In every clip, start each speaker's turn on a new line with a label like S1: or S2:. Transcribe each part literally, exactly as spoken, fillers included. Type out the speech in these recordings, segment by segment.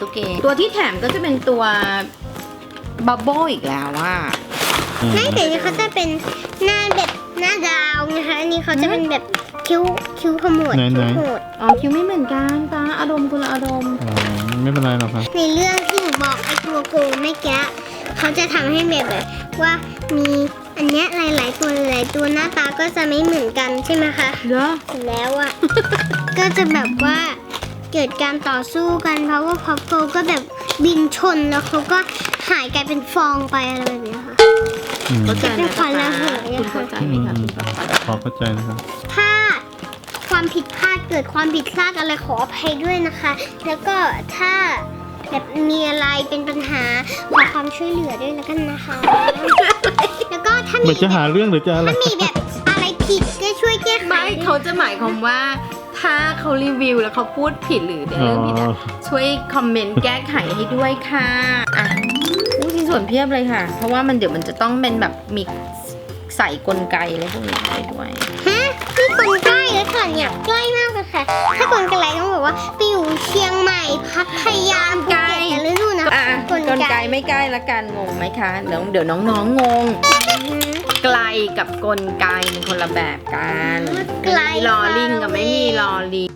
S1: ตุ๊กเกตัวที่แถมก็จะเป็นตัวบับเบิ้ลอีกแล้วว่า
S2: หน้าแต่นี่เขาจะเป็นหน้าแบบหน้าดาวนะคะอันนี้เขาจะเป็นแบบคิ้วคิ้วขมวดคิ้วขมวด
S1: อ๋อคิวไม่เหมือนกันตาอารมณ์คนละอารมณ์
S3: อ๋อไม่เป็นไรหรอกครับ
S2: ในเรื่องที่หนูบอกไอ้ตัวโกงเมื่อกี้เขาจะทำให้แบบแบบว่ามีอันเนี้ยหลาย ๆ ตัวหลายๆตัวหน้าตาก็จะไม่เหมือนกันใช่ไหมคะ
S1: เหรอ
S2: เสร็จแล้วอ่ะ ก็จะแบบว่าเกิดการต่อสู้กันเพราะว่าพับโกก็แบบบินชนแล้วเขาก็หายกลายเป็นฟองไปอะไรแบบเนี้ยค่ะ
S3: อืม
S1: เข้าใจไหม
S2: เป็นคนละหัว
S1: คุณเข้าใจไหมคะคุณป๊าป๊า
S3: พอเข้าใจนะครับ
S2: ถ้าความผิดพลาดเกิดความผิดพลาดอะไรขออภัยด้วยนะคะ แล้วก็ถ้าแบบมีอะไรเป็นปัญหาขอความช่วยเหลือด้วยแล้วกันนะคะ แล้วก็ถ้า
S3: เห
S2: มี
S3: มือนจะหาเรื่องหรือจะอะไร
S2: ถ้ามีแบบอะไรผิดก็ช่วยแก้ไข
S1: ไม่เขาจะหมายความว่าถ้าเขารีวิวแล้วเขาพูดผิดหรือในเรื่องผิดอะช่วยคอมเมนต์แก้ไขให้ด้วยค่ะอ่ะอู้ชิ้นส่วนเพียบเลยค่ะ เพราะว่ามันเดี๋ยวมันจะต้องเป็นแบบมีใส่กลไกอะไรพวกนี้ไปด้วย
S2: ฮะนี่คนใกล้แล้วค่ะเนี่ยใกล้มากเลยค่ะ ถ้าคนไกลต้องบอกว่าไปอยู่เชียงใหม่พัทยาภูเก็ตกันหรือนู่นนะ
S1: อ่ะ
S2: คน
S1: กล
S2: ไก
S1: ไก
S2: ล
S1: ไม่ใกล้ละกันงงไหมคะเดี๋ยวเดี๋ยวน้องๆงง ไกลกับกลไกเป็นคนละแบบกัน
S2: ไกล
S1: มีลอลิงกับไม่มีลอลิง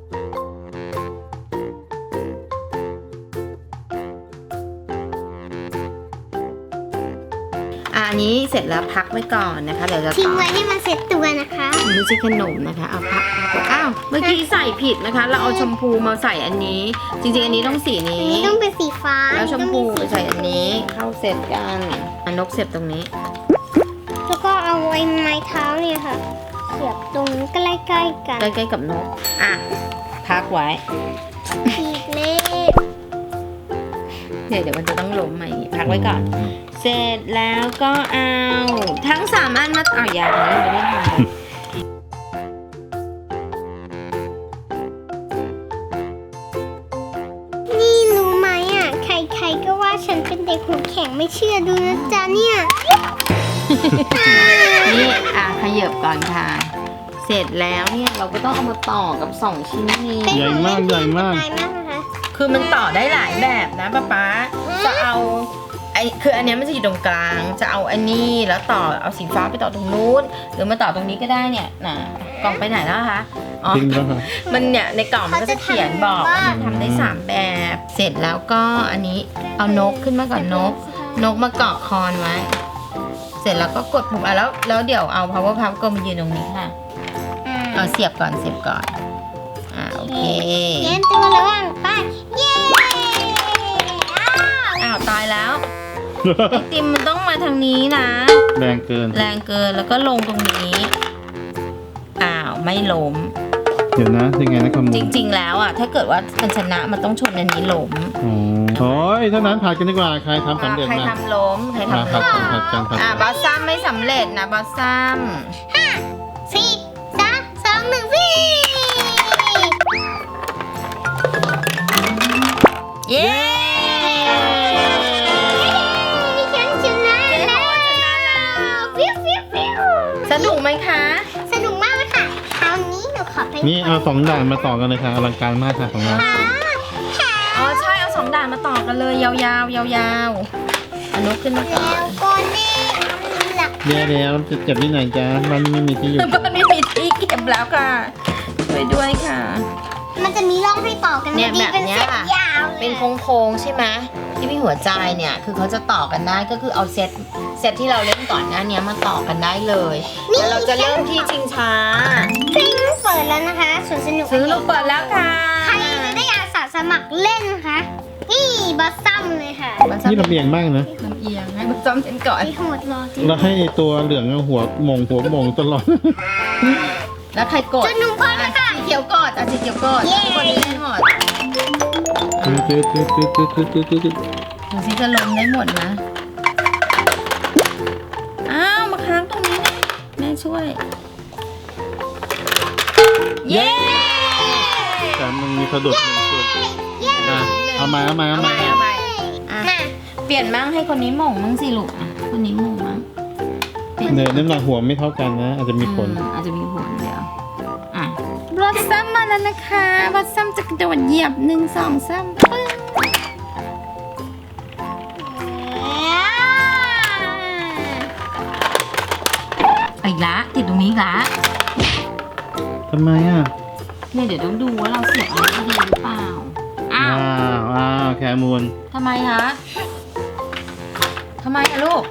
S1: อะอันนี้เสร็จแล้วพักไว้ก่อนนะคะ เดี๋ยวจะ
S2: ทิ้ง
S1: ต่อ
S2: ไว้ให้มันเซ็ตตัวนะคะ
S1: ไม่ใช่ขนมนะคะเอาพักอ้าวเมื่อกี้ใส่ผิดนะคะ เราเอาชมพูมาใส่อันนี้ จริงๆอันนี้ต้องสี
S2: อัน
S1: นี้
S2: นี้ต้องเป็นสีฟ้า
S1: แล้วชมพู
S2: ต้อง
S1: ใส่อันนี้เข้าเสร็จกันอันนกเสียบตรงนี้
S2: แล้วก็เอาไอ้ไม้เท้าเนี่ยค่ะเสียบตรงใกล้ๆกัน
S1: ใกล้ๆกับนกอ่ะพักไว้
S2: อีกเลข
S1: เดี๋ยวเดี๋ยวมันจะต้องล้มมาอย่างงี้พักไว้ก่อน เสร็จแล้วก็เอาทั้งสามอันมาเอาอย่างนี้ไม่ได้ทำ
S2: นี่รู้ไหมอ่ะ ใครๆก็ว่าฉันเป็นเด็กหัวแข็งไม่เชื่อดูนะจ๊ะเนี่ย
S1: นี่อ่ะขยับก่อนค่ะ เสร็จแล้วเนี่ยเราก็ต้องเอามาต่อกับสองชิ้นนี้
S2: เป็น
S3: ใหญ่มากใหญ่มาก
S2: ใหญ่มากนะคะ
S1: คือมันต่อได้หลายแบบนะป๊าป๊าจะเอาไอคืออันเนี้ยมันจะอยู่ตรงกลาง จะเอาอันนี้แล้วต่อเอาสีฟ้าไปต่อตรงนู้นหรือมาต่อตรงนี้ก็ได้เนี่ยนะกล่องไปไหนแล้วคะอ๋อ
S3: จริงแล้วค่ะ
S1: มันเนี่ยในกล่องมันก็จะเขียนบอกว่ามันทำได้สามแบบ เสร็จแล้วก็อันนี้เอานกขึ้นมาก่อนนก นกมาเกาะคอนไว้ เสร็จแล้วก็กดปุ่มอ่ะแล้วแล้วเดี๋ยวเอา power puff ก็มายืนตรงนี้ค่ะ
S2: อ่า
S1: เอาเสียบก่อนเสียบก่อนอ่าโอเค
S2: เย็นตัวระวังไปเย้อ้าว
S1: อ้าวตายแล้วไอติมมันต้องมาทางนี้นะ
S3: แรงเกิน
S1: แรงเกินแล้วก็ลงตรงนี้อ้าวไม่ล้ม
S3: เดี๋ยวนะยังไงนะคำมู
S1: จริง ๆ แล้วอ่ะถ้าเกิดว่ามันชนะมันต้องชนอันนี้ล้ม
S3: อ๋อโอ้ยเท่านั้นผ่านกันดีกว่าใครทำสำเร็จ
S1: ใคร
S3: นะ
S1: ทำล้มใคร
S3: มา
S1: ทำ
S3: ผั
S1: ล้
S3: ด
S1: ม
S3: กันผัดกันผัด
S1: อ่า
S3: กัน
S1: บอสซัมไม่สำเร็จนะบอสซัม
S2: ห้าสี่สามสองหนึ่งวิ่ง
S1: เย้
S2: ฉันชนะแล้วฟิวฟิวฟิว
S1: สนุกไหมคะ
S2: สนุกมากเลยค่ะคราวนี้หนูขอไป
S3: นี่เอาสองด่านมาต่อกันเลยค่ะอลังการมากค่ะของเรา
S2: ค่ะค่ะ
S1: อ๋อใช่เอาสองด่านมาต่อกันเลยยาวๆยาวๆเอานกขึ้นมาก่อ
S2: แล้
S1: น
S2: วก็แน่หลัก
S3: เดี๋ยวเดี๋ยวจะเก็บที่ไหนจ๊ะบ้านนี้ไม่มีที่อยู่
S1: บ้านไม่มีที่เก็บแล้วค่ะช่วยด้วยค่ะ
S2: มันจะมีร่องให้ต่อกัน
S1: เนี่ย
S2: ดี
S1: แบบ
S2: เป็น
S1: เนี้ย
S2: เส้น
S1: ค่ะ
S2: ยาวเลย
S1: เป็นโค้งๆใช่ไหมที่มีหัวใจเนี่ยคือเขาจะต่อกันได้ก็คือเอาเซตเซตที่เราเล่นก่อนหน้านี้มาต่อกันได้เลยแล้วเราจะเริ่มที่ชิงช้า
S2: ฟิงเปิดแล้วนะคะสวนสนุก
S1: ซื้อลูกเปิดแล้วค่ะ
S2: ใครจะได้อาสาสมัครเล่นนะคะนี่บัสซัมเลยค่ะ
S3: นี่ลำเอียงมากนะ
S1: ลำเอียงให้มันจำเส้นก่อน
S2: ไอโหดรอจริง
S3: แล้วให้ตัวเหลืองหัวหมงหัวหมงตลอด
S1: แล้วใครกด
S2: จนหนุ่มพอ
S1: อ่ะ
S2: แล้วค่ะ
S1: สีเขียวกดอ่ะสีเขียวกด
S2: เย้
S1: ทุกคนนี้ได้หมด
S3: ตืดตืดตืดตืดตืดตืดตืดตืด
S1: ดูสิจะลงได้หมดนะอ้าวมาค้างตรงนี้นะแม่ช่วยเย้
S3: แต่มันมีสะดุดหนึ่งจุด
S2: เย้
S3: อ่ะเอามาเอามา
S1: เอา
S3: เอา
S1: ให
S3: มา
S1: ม่เอาใหม่อ่ะ
S2: มา
S1: เปลี่ยนมั่งให้คนนี้หม่งมั่งสิลูกอ่ะคนนี้หม่งมั่ง
S3: เนยน้ำหนักหัวไม่เท่ากันนะ อาจจะมีผล
S1: อืมอาจจะมีผลเดี๋ยวอ่ะบลอสซัมมาแล้วนะคะบลอสซัมจะกระโดดเหยียบหนึ่งสองสามปึ้งอีกละติดตรงนี้อีกละ
S3: ทำไมอ่ะ
S1: เนี่ยเดี๋ยวต้องดูว่าเราเสียบอะไรดีหรือเปล่าอ้า
S3: ว้าว วว้าวแคมูล
S1: ทำไมคะทำไมอะลูก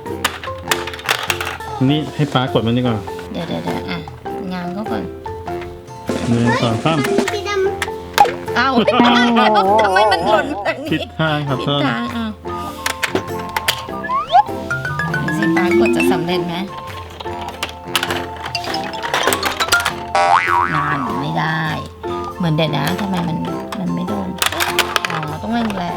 S3: นี่ให้ป้ากดมันดีกว่า
S1: เดี๋ยวเดี๋ยวเดี๋ยวอ่ะงานเขาก่อน
S3: หนึ่งสองสาม
S2: สีด
S1: อ้าวทำไมมันหล่นแบบ
S3: ผิด
S1: นี้
S3: ทางครับ
S1: ผิด
S3: เพิ่ม
S1: ทางอ้าวดูสิป้ากดจะสำเร็จไหมนานไม่ได้ เหมือนเด็ดนะทำไมมันมันไม่โดนอ๋อต้องแรงแรง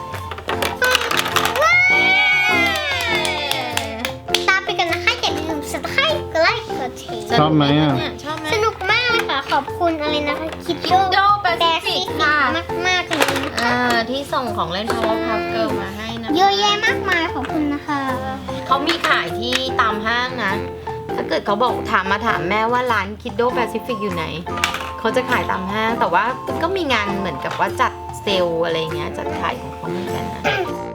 S2: ำตามไปกันนะคะอย่าลืม subscribe กดไลค์กดแชร์
S3: ชอบไหมอ่ะ
S1: ชอบไหม
S2: สนุกมากเลยค่ะ ขอบคุณอะไรนะคะคิดโด
S1: Kiddo
S2: แป
S1: Pacific ค่ะ
S2: มากมากๆเลยนะคะ
S1: อ่าที่ส่งของเล่น Powerpuff Girl มาให้นะ
S2: เยอะแยะมากมายขอบคุณนะคะ
S1: เขามีขายที่ตามห้างนะ ถ้าเกิดเขาบอกถามมาถามแม่ว่าร้าน Kiddo Pacific อยู่ไหน เขาจะขายตามห้าง แต่ว่าก็มีงานเหมือนกับว่าจัดเซลล์อะไรเงี้ย จัดขายของเขาเหมือนกันนะ